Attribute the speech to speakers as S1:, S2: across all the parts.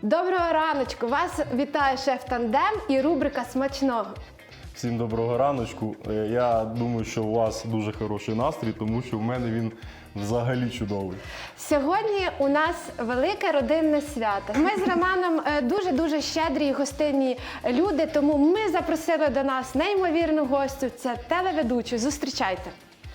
S1: Доброго раночку! Вас вітає шеф Тандем і рубрика «Смачного».
S2: Всім доброго раночку. Я думаю, що у вас дуже хороший настрій, тому що в мене він взагалі чудовий.
S1: Сьогодні у нас велике родинне свято. Ми з Романом дуже-дуже щедрі і гостинні люди, тому ми запросили до нас неймовірну гостю. Це телеведучу. Зустрічайте.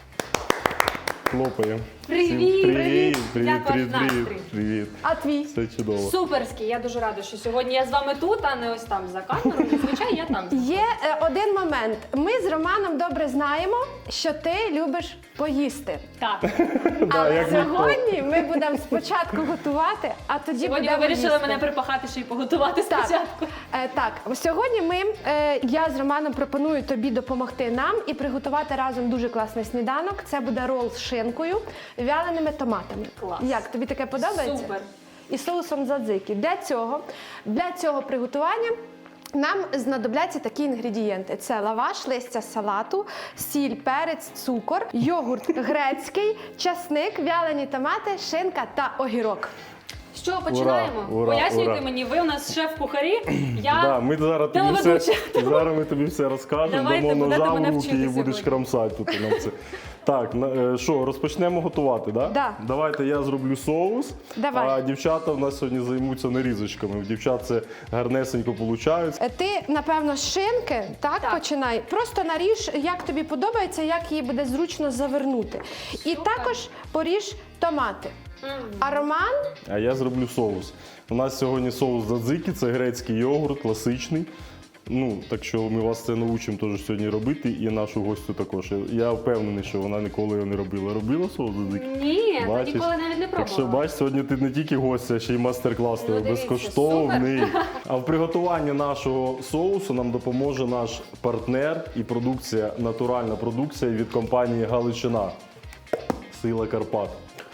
S2: Хлопаємо.
S3: Привіт!
S2: Привіт!
S3: Як ваш настрій?
S2: Привіт!
S1: А твій?
S2: Все чудово.
S3: Суперський, я дуже рада, що сьогодні я з вами тут, а не ось там за камерою. Зазвичай я там.
S1: Є один момент. Ми з Романом добре знаємо, що ти любиш поїсти.
S3: Так.
S1: Але
S2: як ніхто.
S1: сьогодні ми будемо спочатку готувати, а тоді
S3: Сьогодні ви
S1: будемо
S3: вирішили
S1: їсти.
S3: мене припахати ще й поготувати
S1: Так,
S3: спочатку.
S1: так, сьогодні я з Романом пропоную тобі допомогти нам і приготувати разом дуже класний сніданок. Це буде рол з шинкою, вяленими томатами.
S3: Клас.
S1: Як, тобі таке подобається?
S3: Супер.
S1: І соусом задзики. Для цього приготування нам знадобляться такі інгредієнти. Це лаваш, листя салату, сіль, перець, цукор, йогурт грецький, часник, вялені томати, шинка та огірок.
S3: Що, починаємо?
S2: Ура,
S3: Пояснюйте
S2: ура.
S3: мені, ви у нас шеф-кухарі, я
S2: Да, ми зараз ми тобі все розкажемо,
S3: Давайте,
S2: дамо
S3: будете
S2: ножа в
S3: мене
S2: руки і
S3: вчити
S2: будеш
S3: сьогодні.
S2: крамсати тут нам це. Так, що, розпочнемо готувати, да?
S1: Да.
S2: Давайте я зроблю соус,
S1: Давай.
S2: а дівчата в нас сьогодні займуться нарізочками. У дівчат це гарнесенько виходить.
S1: Ти, напевно, з шинки, так,
S3: Так.
S1: починай. Просто наріж, як тобі подобається, як її буде зручно завернути. І
S3: Супер.
S1: також поріж томати. А Роман,
S2: А я зроблю соус. У нас сьогодні соус задзики, це грецький йогурт, класичний. Ну, так що ми вас це навчимо теж сьогодні робити, і нашу гостю також. Я впевнений, що вона ніколи його не робила. Робила соус задзики?
S3: Ні, та
S2: Бачиш?
S3: ніколи навіть не
S2: Так що,
S3: пробувала.
S2: бач, сьогодні ти не тільки гостя, а ще й мастер-клас тебе
S3: дивіться,
S2: безкоштовний. А в приготуванні нашого соусу нам допоможе наш партнер і продукція, натуральна продукція від компанії Галичина. Сила Карпат.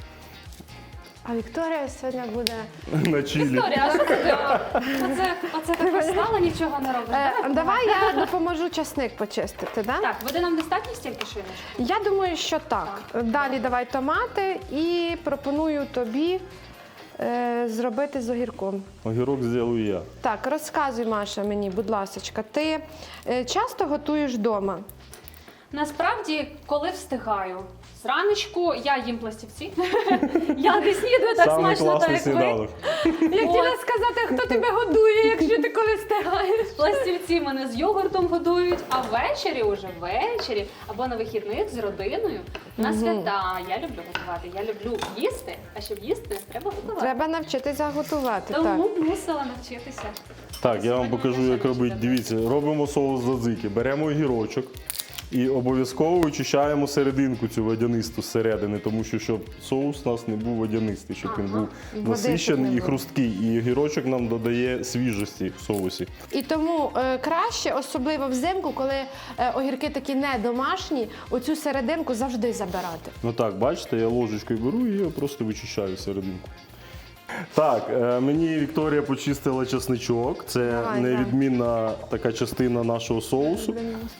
S1: а Вікторія сьогодні буде...
S2: На чилі.
S3: Вікторія, а що ти? Оце так стало, нічого не робиш. Давай,
S1: Давай я допоможу часник почистити, да?
S3: Так, води нам достатньо стільки шиночок?
S1: Я думаю, що так. Далі давай томати і пропоную тобі зробити з огірком.
S2: Огірок зроблю я.
S1: Так, розказуй, Маша, мені, будь ласочка, ти часто готуєш вдома?
S3: Насправді, коли встигаю. Зраночку я їм пластівці. Я не снідаю так
S2: Самий
S3: смачно, так
S2: класний
S3: як ви.
S2: сніданок.
S1: Я хотіла сказати, хто тебе годує, якщо ти коли встигаєш.
S3: Пластівці мене з йогуртом годують, а ввечері або на вихідних з родиною на свята. Я люблю готувати, я люблю їсти, а щоб їсти, треба готувати.
S1: Треба навчитися готувати. Так.
S3: Тому мусила навчитися.
S2: Так, я вам
S3: Сьогодні
S2: покажу,
S3: мене
S2: як
S3: ще
S2: робити.
S3: навчити.
S2: Дивіться, робимо соус задзики. Беремо огірочок і обов'язково вичищаємо серединку цю водянисту зсередини, тому що щоб соус у нас не був водянистий, щоб він був
S1: Води щоб
S2: насичений
S1: не
S2: і
S1: було.
S2: хрусткий. І огірочок нам додає свіжості в соусі.
S1: І тому краще, особливо взимку, коли огірки такі не домашні, оцю серединку завжди забирати.
S2: Ну так, бачите, я ложечкою беру і я просто вичищаю серединку. Так, мені Вікторія почистила чесничок. Це
S1: Давай,
S2: невідмінна така частина нашого соусу.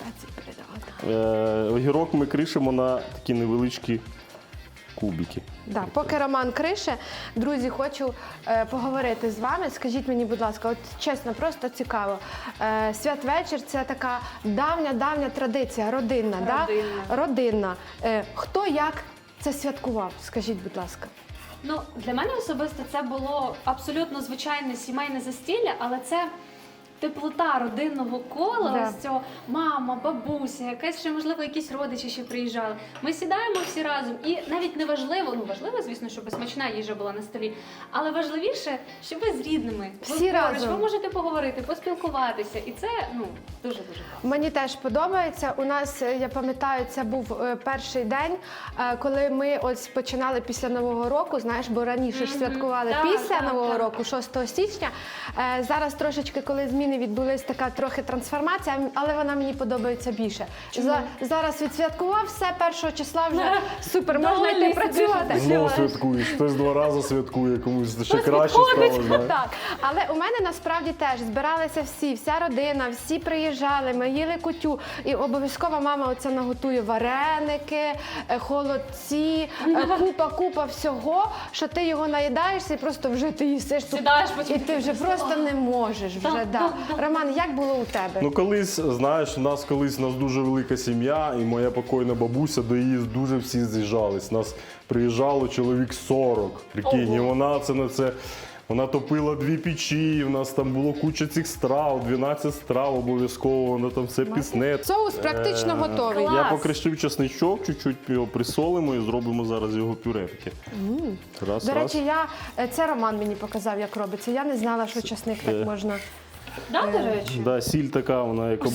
S2: Огірок ми кришимо на такі невеличкі кубики.
S1: Да, поки Роман крише, друзі, хочу поговорити з вами. Скажіть мені, будь ласка, от чесно, просто цікаво. Святвечір – це така давня традиція, родинна. Да? Родинна. Хто як це святкував? Скажіть, будь ласка.
S3: Ну, для мене особисто це було абсолютно звичайне сімейне застілля, але це теплота родинного кола,
S1: Да.
S3: ось цього мама, бабуся, якась ще, можливо, якісь родичі ще приїжджали. Ми сідаємо всі разом і навіть не важливо, ну важливо, звісно, щоб смачна їжа була на столі, але важливіше, щоб ви з рідними.
S1: Всі
S3: ви поруч,
S1: разом.
S3: ви можете поговорити, поспілкуватися, і це, ну, дуже-дуже класно.
S1: Мені теж подобається. У нас, я пам'ятаю, це був перший день, коли ми ось починали після Нового року, знаєш, бо раніше ж святкували
S3: Так,
S1: після
S3: так,
S1: Нового
S3: так.
S1: року, 6 січня. Зараз трошечки, коли змінилися родини відбулась така трохи трансформація, але вона мені подобається більше. Зараз відсвяткував все, 1 числа вже супер, можна
S3: Довольний
S1: йти
S3: собі,
S1: працювати.
S2: Знову святкуєш. Хтось 2 рази святкує, комусь ще краще
S3: підходить.
S2: стало. знаєш.
S1: Так, але у мене насправді теж збиралися всі, вся родина, всі приїжджали, ми їли кутю. І обов'язково мама оце наготує вареники, холодці, купа всього, що ти його наїдаєшся і просто вже ти їсиш. тут.
S3: Сідаєш потім.
S1: І ти вже просто не можеш. Вже,
S3: Так,
S1: да.
S3: так, так.
S1: Роман, як було у тебе?
S2: Ну колись, знаєш, у нас дуже велика сім'я, і моя покойна бабуся, до її дуже всі з'їжджались. Нас приїжджало чоловік 40, прикинь, і вона це на це. Вона топила 2 печі, в нас там було куча цих страв, 12 страв обов'язково, вона там все пісне.
S1: Соус практично готовий.
S3: Клас.
S2: Я покришив чесничок, чуть-чуть його присолимо і зробимо зараз його пюре таке. Раз,
S1: До
S2: раз.
S1: речі, це Роман мені показав, як робиться. Я не знала, що часник так можна.
S3: Да, до речі?
S2: Да, сіль така, вона як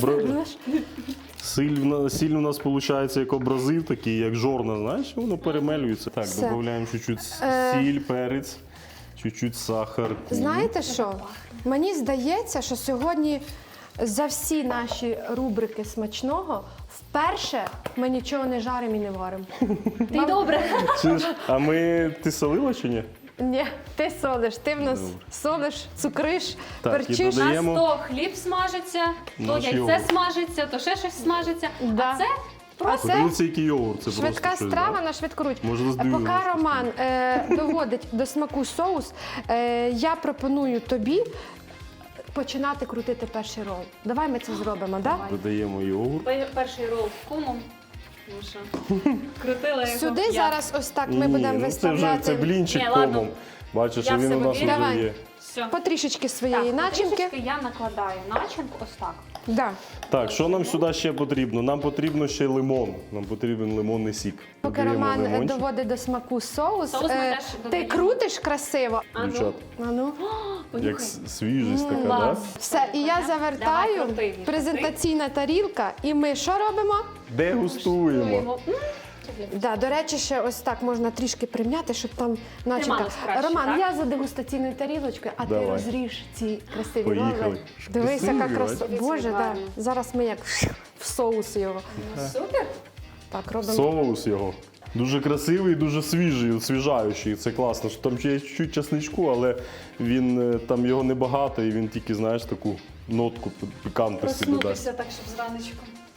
S2: Сіль у нас виходить як абразив, такий, як жорна, знаєш, і воно перемелюється. Так,
S1: Все.
S2: додаємо чуть-чуть сіль, перець, чуть-чуть сахар.
S1: Знаєте що? Мені здається, що сьогодні за всі наші рубрики смачного вперше ми нічого не жаримо і не варимо.
S3: Ти й добре.
S2: А ти солила чи ні?
S1: Ні, ти солиш, ти в нас солиш, цукриш,
S2: Так, і
S1: перчиш.
S2: додаємо-
S3: У нас то хліб смажиться, то
S2: Наш
S3: яйце
S2: йогурт.
S3: смажиться, то ще щось смажиться.
S1: Да.
S3: А це
S1: А це
S2: Подивіться, який йогурт, це
S1: швидка
S2: просто щось,
S1: страва
S2: да?
S1: на швидкоруч.
S2: Може,
S1: Поки
S2: здивуємося.
S1: Роман доводить до смаку соус, я пропоную тобі починати крутити перший рол. Давай ми це зробимо, так? Да?
S2: Додаємо йогурт.
S3: перший рол з кумом. Тому що крутила його.
S1: Сюди
S3: я.
S1: зараз ось так ми
S2: Ні,
S1: будемо
S2: ну це
S1: виставляти
S2: блінчик
S3: Ні, ладно.
S2: комом. Бачиш,
S3: Я
S2: що він
S3: в
S2: у
S3: себе
S2: нас
S3: вірю.
S2: вже
S1: Давай.
S2: є.
S3: Все.
S1: потрішечки своєї
S3: Так,
S1: начинки.
S3: трішечки я накладаю начинку ось так.
S1: Да.
S2: Так, що нам сюди ще потрібно? Нам потрібно ще лимон. Нам потрібен лимонний сік.
S1: Поки
S2: Додаємо
S1: Роман
S2: лимончик.
S1: доводить до смаку соус,
S3: Соус ми теж
S1: ти
S3: додаємо.
S1: крутиш красиво.
S3: А ну,
S2: Дівчат,
S1: А ну.
S2: як
S3: понюхай.
S2: свіжість така, так?
S3: Клас.
S1: Все, і я
S3: Давай,
S1: завертаю.
S3: крути.
S1: Презентаційна тарілка. І ми що робимо?
S2: Дегустуємо.
S1: Да, до речі, ще ось так можна трішки прим'яти, щоб там начинка.
S3: Трималось краще,
S1: Роман,
S3: так?
S1: я за дегустаційною тарілочкою, а ти
S2: Давай.
S1: розріж ці красиві
S2: Поїхали.
S1: роли. Дивись, яка
S2: Красиві,
S1: краса.
S3: бачиш?
S1: Боже, да.
S3: Гарно.
S1: Зараз ми як в соус його.
S3: Супер.
S1: Так, робимо.
S2: Соус його. Дуже красивий, дуже свіжий, освіжаючий. Це класно. Що там ще є чуть-чуть часничку, але він там його небагато, і він тільки, знаєш, таку нотку пікантності додасть.
S3: Проснутися так, щоб зраночку.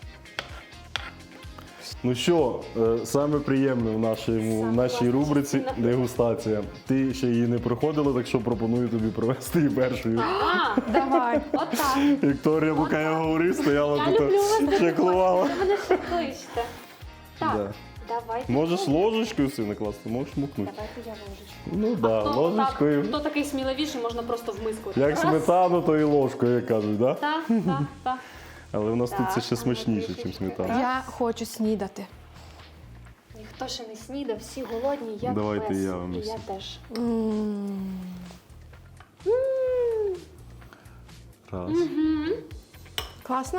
S2: Ну що, саме приємне в нашій рубриці
S3: частина.
S2: дегустація. Ти ще її не проходила, так що пропоную тобі провести її першою.
S3: А,
S1: Давай.
S3: отак.
S2: Вікторія, поки я говорив, стояла
S3: Я люблю вас.
S2: тут, чеклувала.
S3: Ви мене ще кличте. Так,
S2: Да.
S3: давайте.
S2: Можеш ложечкою все накласти, можеш мукнути.
S3: Давайте я ложечку.
S2: Ну так, да,
S3: Хто
S2: ложечкою.
S3: так, хто такий сміливіший, можна просто в миску.
S2: Як
S3: Раз.
S2: сметану, то і ложкою, як кажуть, да?
S3: Так.
S2: Але в нас тут це
S3: Так,
S2: ще
S3: а ну,
S2: смачніше,
S3: трішечки.
S2: ніж сметана.
S1: Я хочу снідати.
S3: Ніхто ще не снідав, всі голодні, як
S2: Давайте
S3: пес.
S2: я вам
S3: І
S2: ось.
S3: я теж.
S2: Раз.
S1: Класно?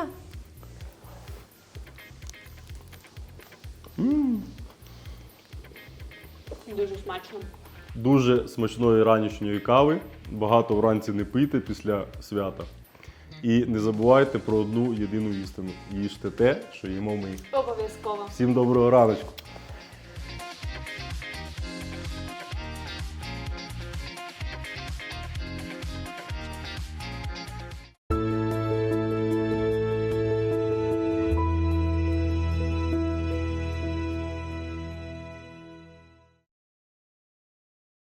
S3: Дуже смачно.
S2: Дуже смачної ранішньої кави. Багато вранці не пийте після свята. І не забувайте про одну єдину істину. Їжте те, що їмо ми.
S3: Обов'язково.
S2: Всім доброго раночку.